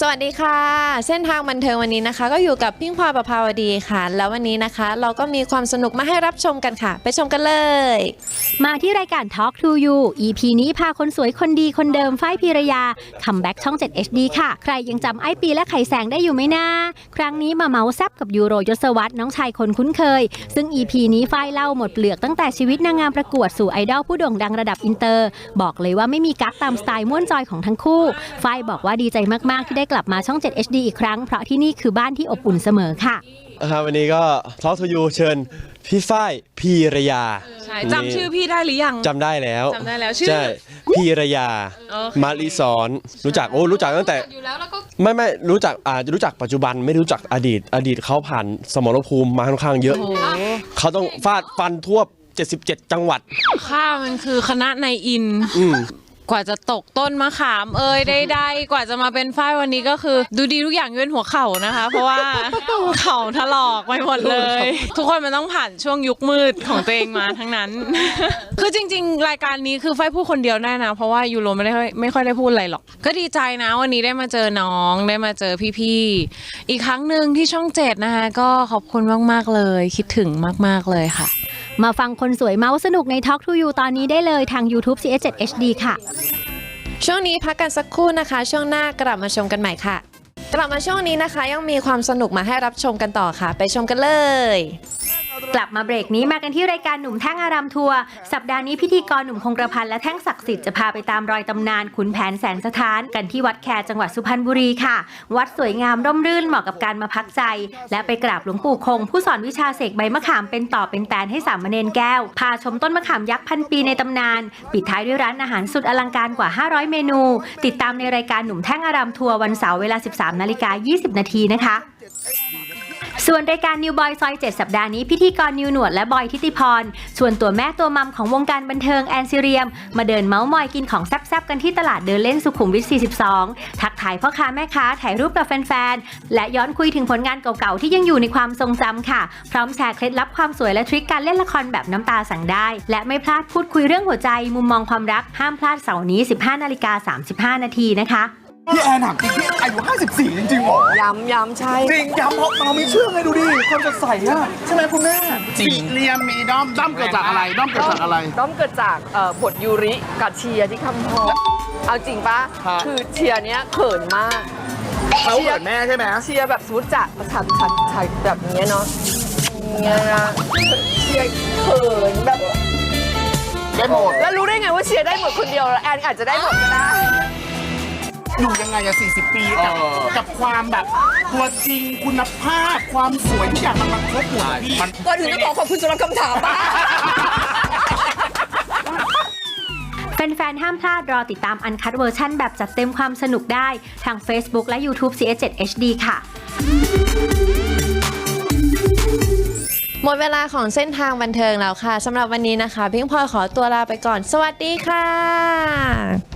วัสดีค่ะเส้นทางบันเทิงวันนี้นะคะก็อยู่กับพิงพลอยประภาวดีค่ะแล้ววันนี้นะคะเราก็มีความสนุกมาให้รับชมกันค่ะไปชมกันเลยมาที่รายการ Talk to You EP นี้พาคนสวยคนดีคนเดิมฝ้ายพีรยาคัมแบ็กช่อง 7 HD ค่ะใครยังจำไอ้ปีและไข่แสงได้อยู่ไหมนะครั้งนี้มาเมาแซบกับยูโรยศวรรษน้องชายคนคุ้นเคยซึ่ง EP นี้ฝ้ายเล่าหมดเปลือกตั้งแต่ชีวิตนางงามประกวดสู่ไอดอลผู้โด่งดังระดับอินเตอร์บอกเลยว่าไม่มีกั๊กตามสไตล์ม่วนจอยของทั้งคู่ฝ้ายบอกว่าดีใจมากๆที่ได้กลับมาช่อง 7 HD อีกครั้งเพราะที่นี่คือบ้านที่อบอุ่นเสมอค่ะวันนี้ก็Talk to Youเชิญพี่ฝ้ายพีรยาจำชื่อพี่ได้หรือยังจำได้แล้วชื่อใช่พีรยามาริสอนรู้จักรู้จักตั้งแต่ไม่รู้จักปัจจุบันไม่รู้จักอดีตเขาผ่านสมรภูมิมาค่อนข้างเยอะเขาต้องฟาดฟันทั่ว77จังหวัดข้ามันคือคณะในอินกว่าจะตกต้นมะขามได้กว่าจะมาเป็นฝ้ายวันนี้ก็คือดูดีทุกอย่างยกเว้นหัวเข่านะคะเพราะว่าเข่าถลอกไปหมดเลยทุกคนมันต้องผ่านช่วงยุคมืดของตัวเองมาทั้งนั้นคือจริงๆรายการนี้คือฝ้ายพูดคนเดียวได้นะเพราะว่ายูโรไม่ค่อยได้พูดอะไรหรอกก็ดีใจนะวันนี้ได้มาเจอน้องได้มาเจอพี่ๆอีกครั้งหนึ่งที่ช่อง 7นะคะก็ขอบคุณมากๆเลยคิดถึงมากๆเลยค่ะมาฟังคนสวยเมาส์สนุกใน Talk to You ตอนนี้ได้เลยทาง YouTube CS7 HD ค่ะช่วงนี้พักกันสักครู่นะคะช่วงหน้ากลับมาชมกันใหม่ค่ะกลับมาช่วงนี้นะคะยังมีความสนุกมาให้รับชมกันต่อค่ะไปชมกันเลยกลับมาเบรกนี้มากันที่รายการหนุ่มแท่งอารามทัวร์สัปดาห์นี้พิธีกรหนุ่มคงกระพันและแท่งศักดิ์สิทธิ์จะพาไปตามรอยตำนานขุนแผนแสนสถานกันที่วัดแคจังหวัดสุพรรณบุรีค่ะวัดสวยงามร่มรื่นเหมาะกับการมาพักใจและไปกราบหลวงปู่คงผู้สอนวิชาเสกใบมะขามเป็นต่อเป็นแตนให้สามเณรแก้วพาชมต้นมะขามยักษ์พันปีในตำนานปิดท้ายด้วยร้านอาหารสุดอลังการกว่า500เมนูติดตามในรายการหนุ่มแท่งอารามทัวร์วันเสาร์เวลา 13:20 นาทีนะคะส่วนรายการนิวบอยซอย7สัปดาห์นี้พิธีกรนิวหนวดและบอยทิติพรชวนตัวแม่ตัวมัมของวงการบันเทิงแอนซิเรียมมาเดินเมาส์มอยกินของแซ่บๆกันที่ตลาดเดินเล่นสุขุมวิท42ทักทายพ่อค้าแม่ค้าถ่ายรูปกับแฟนๆและย้อนคุยถึงผลงานเก่าๆที่ยังอยู่ในความทรงจำค่ะพร้อมแชร์เคล็ดลับความสวยและทริคการเล่นละครแบบน้ำตาสั่งได้และไม่พลาดพูดคุยเรื่องหัวใจมุมมองความรักห้ามพลาดเสาร์นี้ 15:35 นาทีนะคะพี่แอนถามจริงพี่อายุ54จริงๆหรอย้ำใช่จริงย้ำเพราะเราไม่เชื่อไงดูดิความสดใสอะใช่ไหมคุณแม่จริงเรียมมีด้อมเกิดจากอะไรด้อมเกิดจากอะไรด้อมเกิดจากบทยูริกับเชียร์ที่คำพอเอาจริงปะคือเชียร์เนี้ยเขินมากเขาเขินแม่ใช่ไหมเชียร์แบบสมมติจะฉันแบบนี้เนาะเงี้ยนะเชียร์เขินแบบได้หมดแล้วรู้ได้ไงว่าเชียร์ได้หมดคนเดียวแล้วแอนอาจจะได้หมดก็ได้อยู่ยังไงอะ40 ปีกับความแบบตัวจริงคุณภาพความสวยทุกอย่างมันครบหมดพี่ก่อนถึงจะขอบคุณสำหรับคำถามป้าแฟนๆห้ามพลาดรอติดตามอันคัทเวอร์ชั่นแบบจัดเต็มความสนุกได้ทาง Facebook และ YouTube CS7 HD ค่ะหมดเวลาของเส้นทางบันเทิงแล้วค่ะสำหรับวันนี้นะคะพิงพลอยขอตัวลาไปก่อนสวัสดีค่ะ